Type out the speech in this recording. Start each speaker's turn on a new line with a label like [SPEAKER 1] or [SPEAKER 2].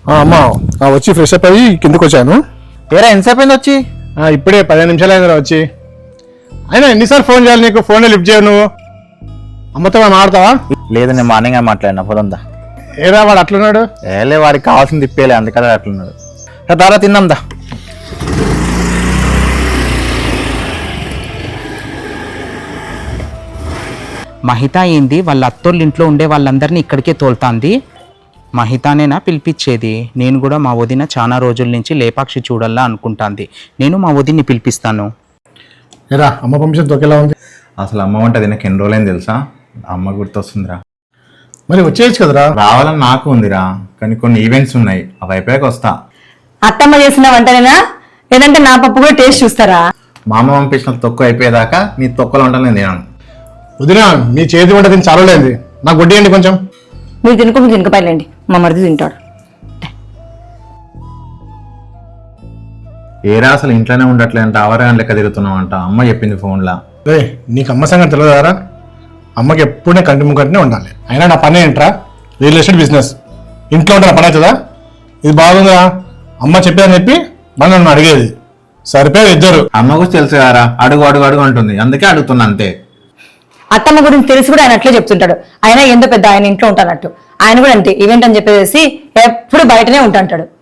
[SPEAKER 1] అమ్మా వచ్చి fresh up అయ్యి కిందకు వచ్చాను.
[SPEAKER 2] ఏరా ఎంతసేపు అయింది వచ్చి?
[SPEAKER 1] ఇప్పుడే 15 నిమిషాలు అయిందిరా వచ్చి. అయినా ఎన్నిసార్లు ఫోన్ చేయాలి నీకు? ఫోన్ లిఫ్ట్ చేయవు నువ్వు. అమ్మతో మాట్లాడతావా?
[SPEAKER 2] లేదు, నేను మార్నింగ్ మాట్లాడినా పోదా.
[SPEAKER 1] ఏరా వాడు అట్లున్నాడు?
[SPEAKER 2] ఏలే, వాడికి కావాల్సింది తిప్పేలే, అందుకనే అట్లున్నాడు. దారా తిందాందా.
[SPEAKER 3] మహిత ఏంది వాళ్ళ అత్తోళ్ళ ఇంట్లో ఉండే వాళ్ళందరినీ ఇక్కడికే తోలుతాంది? మహితానేనా పిలిపించేది? నేను కూడా మా వదిన చాలా రోజుల నుంచి లేపాక్షి చూడాలా అనుకుంటాంది. నేను మా వదిన్ని పిలిపిస్తాను.
[SPEAKER 1] ఏరా అమ్మ పంపించిన తొక్కేలా ఉంది?
[SPEAKER 2] అసలు అమ్మ వంట తినక ఎన్ని రోజులైంది తెలుసా? అమ్మ గుర్తొస్తుందిరా.
[SPEAKER 1] మరి వచ్చేయచ్చు కదరా?
[SPEAKER 2] రావాలని నాకు ఉందిరా, కానీ కొన్ని ఈవెంట్స్ ఉన్నాయి, అవి అయిపోయాక వస్తా.
[SPEAKER 4] అత్తమ్మ చేసిన వంటనేనా లేదంటే నా పప్పు కూడా టేస్ట్ చూస్తారా?
[SPEAKER 2] మా అమ్మ పంపించిన తొక్కు అయిపోయేదాకా నీ తొక్కలు వంటలు నేను తినాను.
[SPEAKER 1] వదినా మీ చేతి వంట తిని చాలా లేదు, నాకు వడ్డీయండి కొంచెం.
[SPEAKER 4] మీరు తినుకో, తినకపోయలేండి, మా మరిది తింటాడు.
[SPEAKER 2] ఏరా అసలు ఇంట్లోనే ఉండట్లేదంట, అవరగా లెక్క తిరుగుతున్నావంట, అమ్మ చెప్పింది ఫోన్లా.
[SPEAKER 1] నీకు అమ్మ సంగతి తెలియదారా? అమ్మకి ఎప్పుడూ కంటి ముక్కటినే ఉండాలి. అయినా నా పని ఏంట్రా? Real estate business. ఇంట్లో ఉంటే నా పని అవుతుందా? ఇది బాగుందా? అమ్మ చెప్పేదని చెప్పి మనం నన్ను అడిగేది. సరిపోయారు ఇద్దరు.
[SPEAKER 2] అమ్మ గురించి తెలుసు కదరా, అడుగు అడుగు అడుగు అంటుంది, అందుకే అడుగుతున్నా అంతే.
[SPEAKER 4] అత్తమ్మ గురించి తెలిసి కూడా ఆయన అట్లే చెప్తుంటాడు. ఆయన ఎంతో పెద్ద ఆయన ఇంట్లో ఉంటానట్టు. ఆయన కూడా అంతే, ఈవెంట్ అని చెప్పేసి ఎప్పుడు బయటనే ఉంటాంటాడు.